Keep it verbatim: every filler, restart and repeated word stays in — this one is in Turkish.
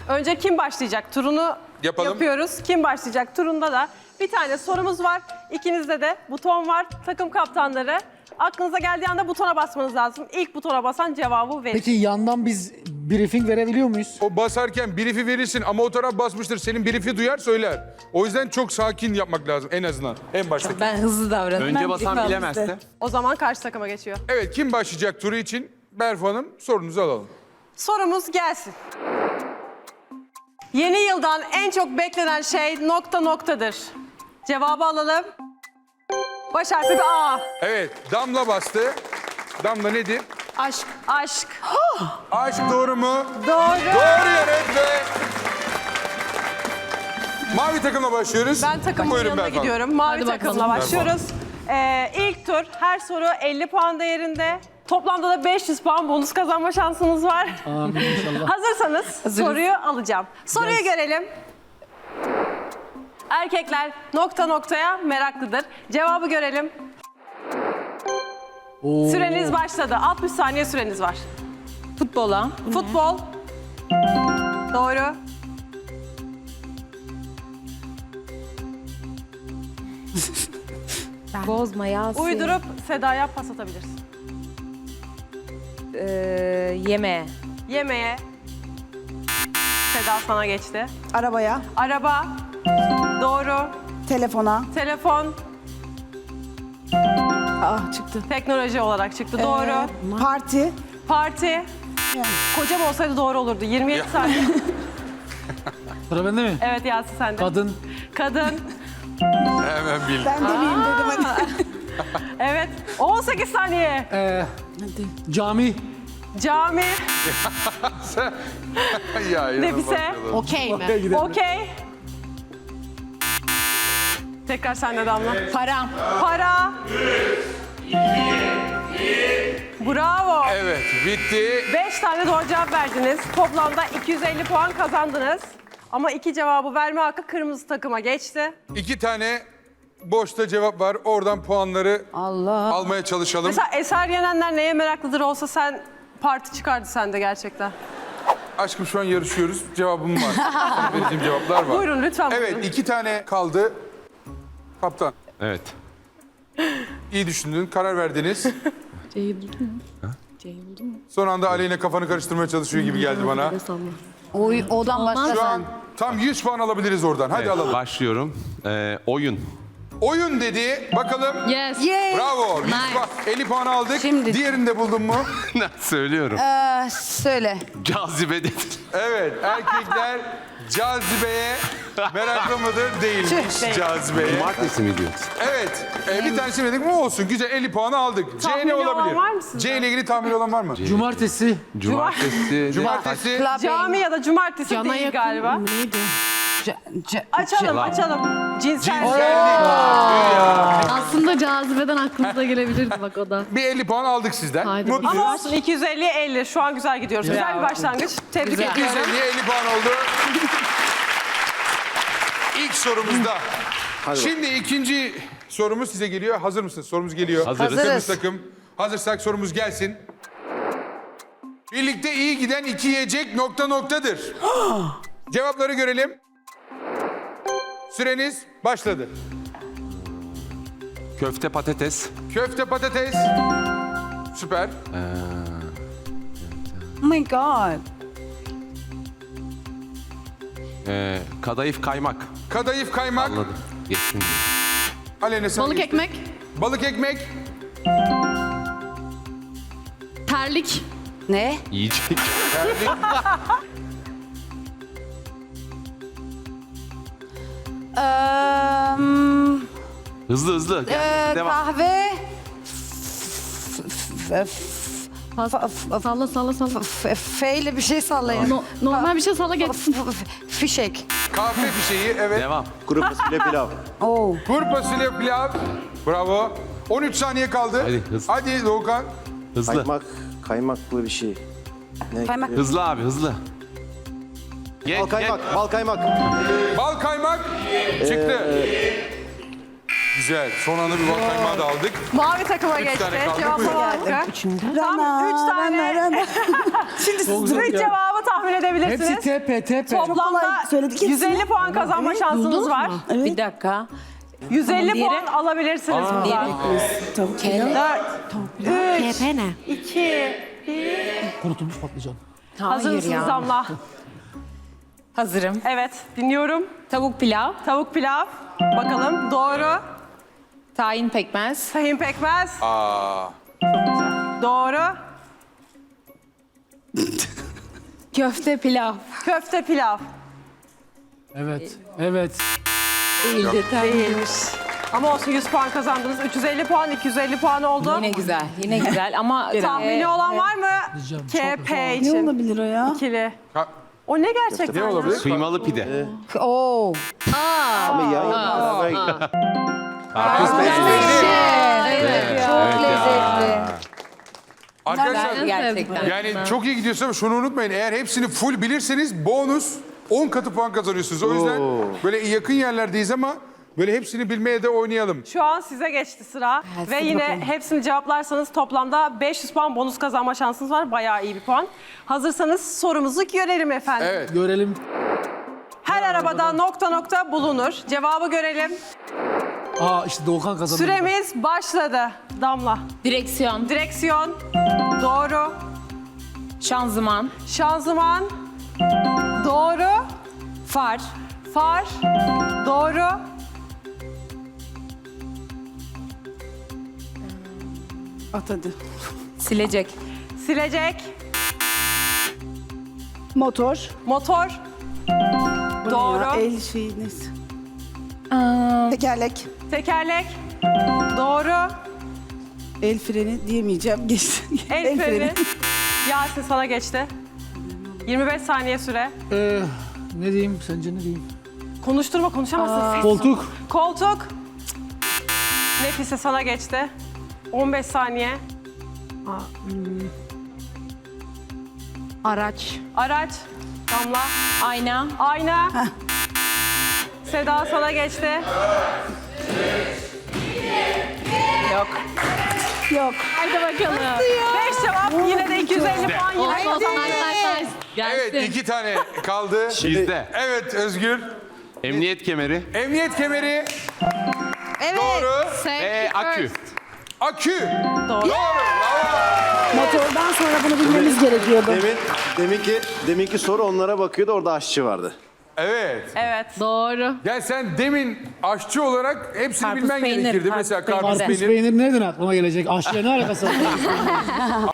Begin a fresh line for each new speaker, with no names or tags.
Önce kim başlayacak turunu
Yapalım.
yapıyoruz. Kim başlayacak turunda da bir tane sorumuz var. İkinizde de buton var. Takım kaptanları. Aklınıza geldiği anda butona basmanız lazım. İlk butona basan cevabı verir.
Peki yandan biz briefing verebiliyor muyuz?
O basarken brief'i verirsin ama o taraf basmıştır. Senin brief'i duyar söyler. O yüzden çok sakin yapmak lazım en azından. En baştaki.
Ben hızlı davranıyorum.
Önce basan bilemezse.
O zaman karşı takıma geçiyor.
Evet, kim başlayacak turu için? Berfu Hanım, sorunuzu alalım.
Sorumuz gelsin. Yeni yıldan en çok beklenen şey nokta noktadır. Cevabı alalım. Baş harfi bir A.
Evet, Damla bastı. Damla nedir?
Aşk. Aşk.
Aşk doğru mu?
Doğru.
Doğru yanıt ve... Mavi takımla başlıyoruz.
Ben takımın
Buyurun
yanına
Berfu Hanım.
gidiyorum. Mavi
Hadi bakalım.
takımla başlıyoruz. Ee, ilk tur her soru elli puan değerinde. Toplamda da beş yüz puan bonus kazanma şansınız var.
Amin inşallah.
Hazırsanız soruyu alacağım. Soruyu
Yes.
görelim. Erkekler nokta noktaya meraklıdır. Cevabı görelim.
Oo.
Süreniz başladı. altmış saniye süreniz var.
Futbola.
Futbol. Doğru.
Bozma Yasin.
Uydurup Seda'ya pas atabilirsin.
Ee, yemeğe.
Yemeğe. Seda sana geçti.
Arabaya,
Araba. Doğru.
telefona,
Telefon.
ah çıktı.
Teknoloji olarak çıktı. Doğru.
Ee, parti,
Parti.
yani
Kocam olsaydı doğru olurdu. yirmi yedi saniye.
Sıra bende mi?
Evet Yasin sende.
Kadın.
Kadın.
Hemen bildim.
ben demeyeyim dedim hadi.
Evet. on sekiz saniye.
Ee, cami.
Cami.
ya,
Nefise.
Okey mi?
Okey, gidelim.
Okey. Tekrar sende Damla.
Para.
Para. Bravo.
Evet, bitti.
Beş tane doğru cevap verdiniz. Toplamda iki yüz elli puan kazandınız. Ama iki cevabı verme hakkı kırmızı takıma geçti.
İki tane boşta cevap var. Oradan puanları
Allah.
almaya çalışalım.
Mesela Eser Yenenler neye meraklıdır olsa sen parti çıkardı sende gerçekten.
Aşkım şu an yarışıyoruz. Cevabım var. Sana vereceğim cevaplar var.
Buyurun lütfen buyurun.
Evet, iki tane kaldı. Kaptan,
Evet.
iyi düşündün, karar verdiniz.
C'yi buldun mu? C'yi buldun mu?
Son anda Aleyna kafanı karıştırmaya çalışıyor gibi geldi bana.
Oy, odan başka.
Şu an tam yüz puan alabiliriz oradan. Hadi
Evet,
alalım.
başlıyorum. Ee, oyun.
Oyun dedi. Bakalım.
Yes.
Yay.
Bravo. yüz
Nice.
puan, elli puan aldık.
Şimdi-
Diğerini de buldun mu?
Söylüyorum.
Ee, söyle.
Cazibe dedi.
Evet. Erkekler cazibeye meraklı mıdır? Değilmiş
Değil.
cazibeye.
Cumartesi mi diyorsun?
Evet. E, bir tanesi dedik mi olsun. Güzel elli puanı aldık. C
Tahmini
ne
olan
olabilir?
var mı sizde?
C ile ilgili tahmin olan var mı?
Cumartesi.
Cumartesi.
Cumartesi.
Clubbing.
Cami ya da cumartesi
Cana
değil
yakın
galiba.
neydi?
C- c-
Açalım açalım. Cinsel.
Cinsellik.
Aslında cazibeden aklınıza gelebilirdi bak o da.
Bir elli puan aldık sizden.
Haydi
Mutluyuz.
Ama olsun iki yüz elliye elli. Şu an güzel gidiyoruz. Güzel bir başlangıç. Tebrik
iki yüz
ediyorum.
elliye elli puan oldu. İlk sorumuzda. Şimdi ikinci sorumuz size geliyor. Hazır mısınız? Sorumuz geliyor.
Hazırız.
Kırmızı
Hazırız.
takım. Hazırsak sorumuz gelsin. Birlikte iyi giden iki yiyecek nokta noktadır. Cevapları görelim. Süreniz başladı.
Köfte patates.
Köfte patates. Süper.
Oh my god.
Ee, kadayıf kaymak.
Kadayıf kaymak.
Anladım. Geçtim.
Aleyna sen
Balık
geçti.
ekmek,
Balık ekmek.
terlik,
Ne?
Yiyecek.
Terlik.
Ee, hmm,
Hızlı hızlı. Gel,
ee,
devam.
kahve. F- f-
pas,
f- f-
salla salla salla.
f- F ile bir şey sallayın.
No- normal bir şey salla geçsin.
F- f- Fişek.
Kahve fişeği. Evet.
Devam.
Kuru fasulye pilav.
Oo.
Kuru fasulye pilav. Bravo. on üç saniye kaldı.
Hadi, hızlı.
Hadi Doğukan.
Hızlı.
Kaymak, kaymaklı bir şey. Ne?
Kaymak.
Hızlı abi hızlı. Geç,
Bal kaymak,
geç.
bal kaymak.
Bal kaymak çıktı. Güzel. Son anda bir bal kaymağı da aldık.
Mavi takıma
Üç
geçti.
tane kaldı.
Cevaplama
Buyurun.
hakkı. Tam
Rana,
üç tane.
rana, rana. Şimdi
Çok
Üç
güzel ya.
cevabı tahmin tahmin edebilirsiniz.
Hepsi T P, T P.
Toplamda
kolay söyledik hepsini.
yüz elli puan kazanma şansınız var.
Bir dakika.
yüz elli
Tamam,
puan
diğeri?
alabilirsiniz buradan.
Tavuk
Kelle.
dört, üç, iki, bir.
Kurutulmuş patlıcan.
Hazır
Hayır
mısınız
ya.
Damla?
Hazırım.
Evet, dinliyorum.
Tavuk pilav,
Tavuk pilav. Bakalım doğru.
tahin pekmez,
Tahin pekmez.
Aa.
Doğru.
köfte pilav.
Köfte pilav.
Evet, evet.
Değildi tabii.
Değilmiş. Ama olsun yüz puan kazandınız. üç yüz elli puan, iki yüz elli puan oldu.
Yine güzel, yine güzel ama...
Tahmini
e,
olan var mı?
Diyeceğim,
K
çok
P
Ne
için.
olabilir o ya?
İkili.
Ha,
O ne gerçekten?
ne
ya?
olabilir?
Kıymalı pide.
Oo.
Ama yan yana beraber
Çok lezzetli.
Arkadaşlar
Gerçekten.
yani çok iyi gidiyorsa şunu unutmayın. Eğer hepsini full bilirseniz bonus on katı puan kazanıyorsunuz. O yüzden böyle yakın yerlerdeyiz ama böyle hepsini bilmeye de oynayalım.
Şu an size geçti sıra. Ve
hadi
yine
bakalım.
hepsini cevaplarsanız toplamda beş yüz puan bonus kazanma şansınız var. Bayağı iyi bir puan. Hazırsanız sorumuzu görelim efendim.
Evet.
Görelim.
Her arabada nokta nokta bulunur. Cevabı görelim.
Aa işte Doğukan kazandı.
Süremiz başladı. Damla.
Direksiyon,
Direksiyon. Doğru.
şanzıman,
Şanzıman. Doğru.
far,
Far. Doğru.
At hadi.
silecek,
Silecek.
Motor.
Motor.
Ya,
Doğru.
el şey neyse.
aa,
Tekerlek.
Tekerlek. Doğru.
El freni diyemeyeceğim. Geçti.
El freni. Yasin sana geçti. yirmi beş saniye süre.
Ee, ne diyeyim, sence ne diyeyim?
Konuşturma, konuşamazsın. Ses-
Koltuk.
Koltuk. Nefise sana geçti. on beş saniye.
Araç.
Araç. Damla.
ayna,
Ayna. Seda sana geçti. Yok.
Yok.
Haydi bakalım.
beş cevap. Yine de iki yüz elli puan yine
Olsun, olsun,
kazandı.
nice, nice.
Evet iki tane kaldı.
Bizde.
Evet Özgür.
Emniyet kemeri
Emniyet kemeri.
Evet.
Doğru.
ve akü.
Akü.
Doğru.
Motordan sonra bunu bilmemiz gerekiyordu.
Demin, deminki, deminki soru onlara bakıyordu. Orada aşçı vardı.
Evet.
Evet.
Doğru.
Yani sen demin aşçı olarak hepsini
Karpuz
bilmen
peynir,
gerekirdi.
karpuz
Mesela
peynir.
karpuz
Karpuz
peynir.
peynir nereden aklıma gelecek? Aşçıya ne alakası var?